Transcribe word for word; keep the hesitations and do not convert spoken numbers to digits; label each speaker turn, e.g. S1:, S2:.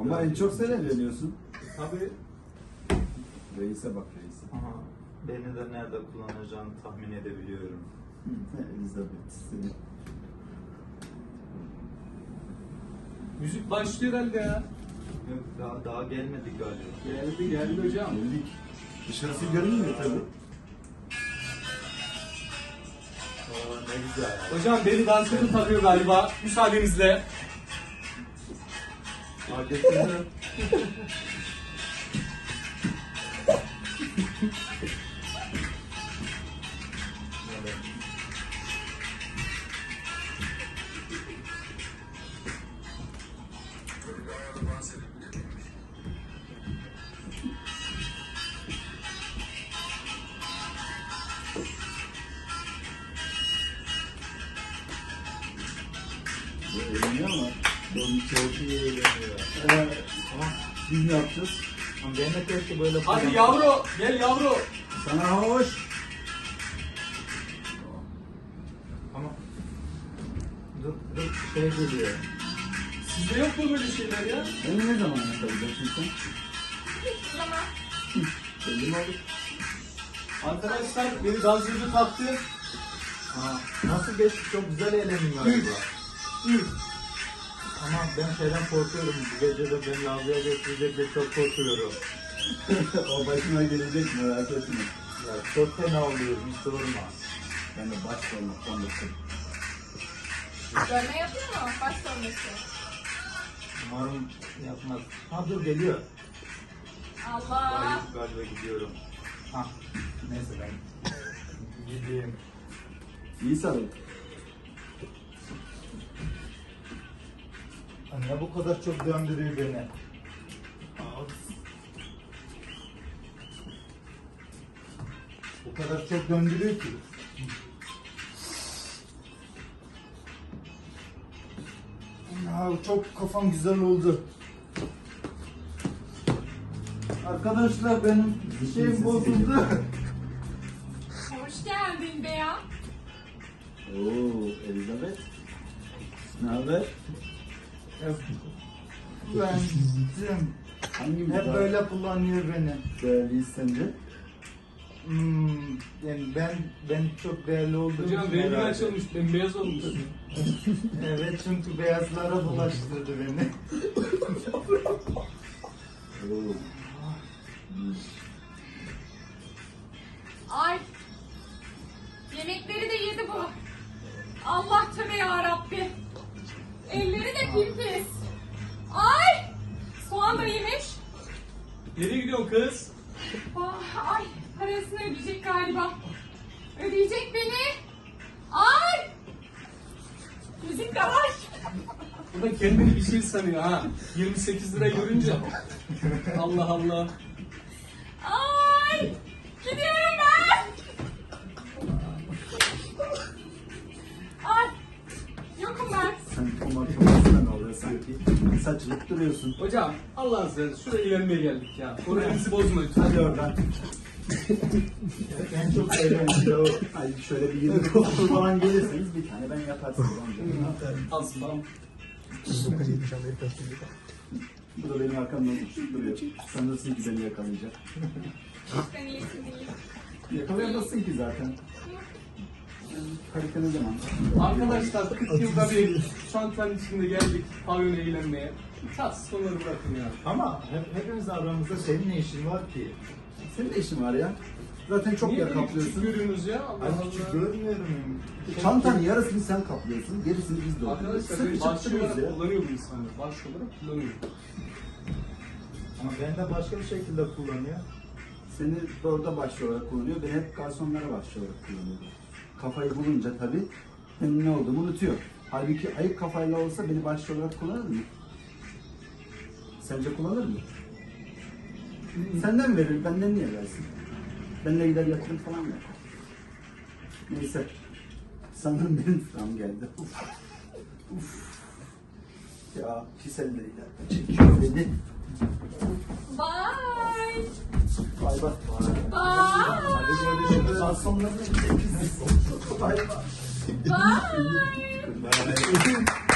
S1: Ama en çok sen evleniyorsun.
S2: Tabii.
S1: Reis'e bak reis'e.
S2: Aha, beni de nerede kullanacağını tahmin edebiliyorum.
S1: Elizabeth seni.
S3: Müzik başlıyor herhalde ya.
S2: Yok daha, daha gelmedik galiba.
S3: Geldi geldi hocam.
S1: Geldik. Dışarısı görünmüyor tabii.
S2: Oo, ne güzel.
S3: Hocam beni dansözü takıyor galiba. Müsaadenizle.
S2: Adetini
S1: Bu eğleniyor ama.
S2: Bunu çok iyi eğleniyor.
S1: Evet. Biz ne yapacağız?
S2: Ama ben de keşke böyle
S3: Hadi yavru gel yavru.
S1: Sana hoş.
S2: Ama dur dur şey geliyor.
S3: Sizde yok mu böyle şeyler ya?
S1: Beni ne zaman yakalayacaksın sen?
S4: Zaman.
S1: Belli mi olur?
S3: Arkadaşlar beni dansözü taktı.
S2: Ha, nasıl geçti? Çok güzel eğlendim galiba. Ama ben şeyden korkuyorum. Bu gece de beni lavaboya götürecek diye çok korkuyorum.
S1: O başına gelecek merak etme.
S2: Ya çok fena oluyorum. Hiç sorma.
S1: Ben de baş sormak konuştum.
S4: Dövme yapıyor mu? Baş dövmesi.
S2: Umarım yapmaz. Ha dur geliyor.
S4: Allah.
S2: Galiba, galiba gidiyorum. Ha neyse ben gideyim.
S1: İyi sarıl.
S2: Anne bu kadar çok döndürüyor beni. Bu kadar çok döndürüyor ki. Ya çok kafam güzel oldu. Arkadaşlar benim şeyim bozuldu.
S4: Hoş geldin Beya.
S1: Oo, Elizabeth. Ne haber?
S2: Ben
S1: Hangi
S2: hep böyle kullanıyor beni.
S1: değerliyiz sence?
S2: Hmm, yani ben ben çok değerli olduğum
S3: Hocam
S2: için
S3: rengin
S2: herhalde.
S3: açılmış, bembeyaz olmuş.
S2: Evet çünkü beyazlara bulaştırdı beni.
S1: Oo.
S4: Ay. Yemekleri de yedi bu. Allah tövbe yarabbi. Elleri de pimpis. Ay. Soğan da yemiş.
S3: Nereye gidiyorsun kız?
S4: Ah, ay. Parasını ödeyecek galiba. Ödeyecek beni. Ay. Müzik de var.
S3: Bu da kendini bir şey sanıyor ha. yirmi sekiz lira görünce. Allah Allah.
S4: Ay. Gidiyorum ben. Ay. Yokum ben.
S1: Sen tomatolojiden ne oluyor sanki? Saçılıp duruyorsun.
S3: Hocam Allah'ın seversen şuraya eğlenmeye geldik ya. Moralinizi bozma lütfen.
S1: Hadi oradan.
S2: En çok eğlenceli.
S1: Hadi şöyle bir yirmi dokuz falan gelirseniz bir tane ben yaparsınız.
S3: Aslan.
S1: Bu da benim arkamdan uçup duruyor. Sanırsın ki beni yakalayacak.
S4: Ben iyisin değil.
S1: Yakalayamazsın ki zaten. Harika ne zaman?
S3: Arkadaşlar kırk yılda bir çantanın içinde geldik pavyona eğlenmeye. Tatsız konuları bırakın ya.
S2: Ama hep, hepimiz aramızda senin ne işin var ki?
S1: Senin de işin var ya. Zaten çok
S3: Niye
S1: yer
S3: beni küçük
S1: kaplıyorsun.
S3: görüyorsunuz ya? Allah
S2: Ay küçük
S3: Allah.
S2: görmüyorum.
S1: Çantanın yarısını sen kaplıyorsun, gerisini biz dolduruyoruz.
S3: Arkadaşlar
S1: Sık
S3: beni
S1: içip
S3: başlı
S1: duruyoruz
S3: olarak
S1: ya.
S3: kullanıyor bu insanlar. Başlı olarak kullanıyor.
S2: Ama ben de başka bir şekilde kullanıyor.
S1: Seni orada başlı olarak kullanıyor, ben hep garsonlara başlı olarak kullanıyorum. Kafayı bulunca tabii benim ne olduğumu unutuyor. Halbuki ayık kafayla olsa beni başlı olarak kullanır mı? Sence kullanır mı? Senden verir, benden niye versin? Benle gider yatırım falan mı yapar? Neyse. Sanırım benim sıram geldi. Uf. Uf. Ya pis elleriyle çekiyor beni.
S4: Bye.
S1: Bay bay.
S4: Bye.
S1: Hadi görüşürüz. Garsonların çekilsin. Bay bay.
S4: Bye.
S2: Ben